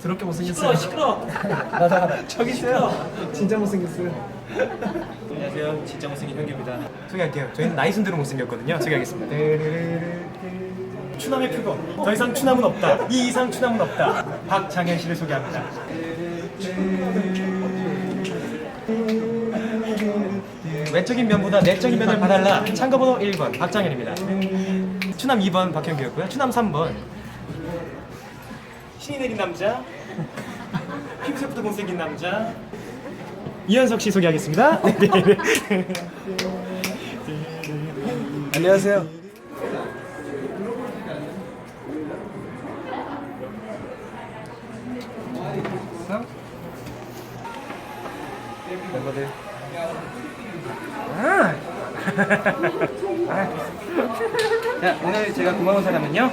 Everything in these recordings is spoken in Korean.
더럽게 못생겼어요. 시끄러. 나다. 저기 있어요. 진짜 못생겼어요. 안녕하세요. 진짜 못생긴 현규입니다. 소개할게요. 저희는 나이 순대로 못생겼거든요. 소개하겠습니다. 추남의 표본. 더 이상 추남은 없다. 이 이상 추남은 없다. 박장현 씨를 소개합니다. 외적인 면보다 내적인 면을 봐달라. 참가번호 1번 박장현입니다. 추남 2번 박현규였고요. 추남 3번 신이 내린 남자. 피부색부터 못생긴 남자. 이현석 씨 소개하겠습니다. 안녕하세요. 멤버들. 자, 오늘 제가 고마운 사람은요.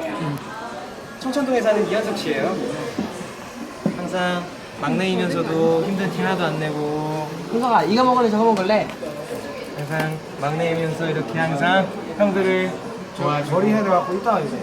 청천동에 사는 이현석 씨예요. 항상 막내이면서도 힘든 티 하나도 안 내고 현석아, 이거 먹을래 저거 먹을래? 항상 막내이면서 이렇게 항상 형들을 좋아주고 머리 해도 갖고 있다 이제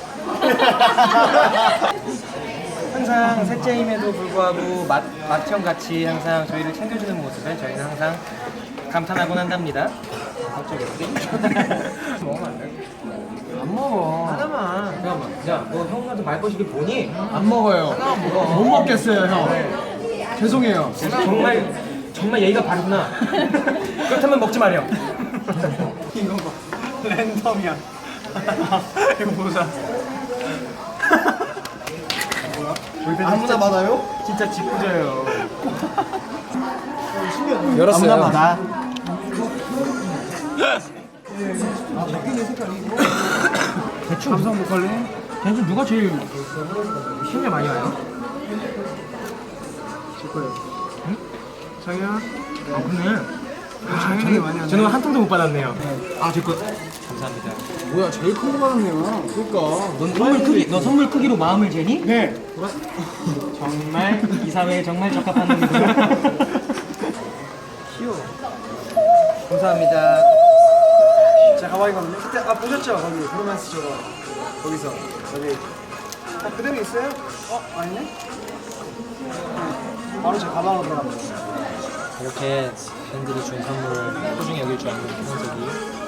항상 셋째임에도 불구하고 맏형같이 항상 저희를 챙겨주는 모습에 저희는 항상 감탄하곤 한답니다. 갑자기 먹으면 안 돼? 안 먹어. 하나만. 잠깐만. 야, 너 형한테 말거시기 보니? 안 먹어요. 하나만 먹어. 못 먹겠어요, 형. 죄송해요. 정말 예의가 바르구나. 그렇다면 먹지 마렴. 이거 봐. 랜덤이야. 이거 보자. 아무나 받아요? 진짜 짓궂어요. 열었어요. 아무나 받아. 대충 감성 보컬리? 대충 누가 제일 힘이 많이 와요? 제 거예요. 응? 장현? 아 그러네. 장현이 많이 안 저는 한 통도 못 받았네요. 아, 제 거. 감사합니다. 뭐야, 제일 큰 거 받았네요. 그러니까. 너 선물 크기로 마음을 재니? 네. 정말 이 사회에 정말 적합한 놈이구나. 귀여워. 감사합니다. 자, 가방이 갔네. 그때, 보셨죠? 거기, 브로맨스 저거. 거기서. 여기. 그대로 있어요? 아니네? 바로 제 가방으로 들어갑니다. 이렇게 팬들이 준 선물을 소중히 여길 줄 아는 현석이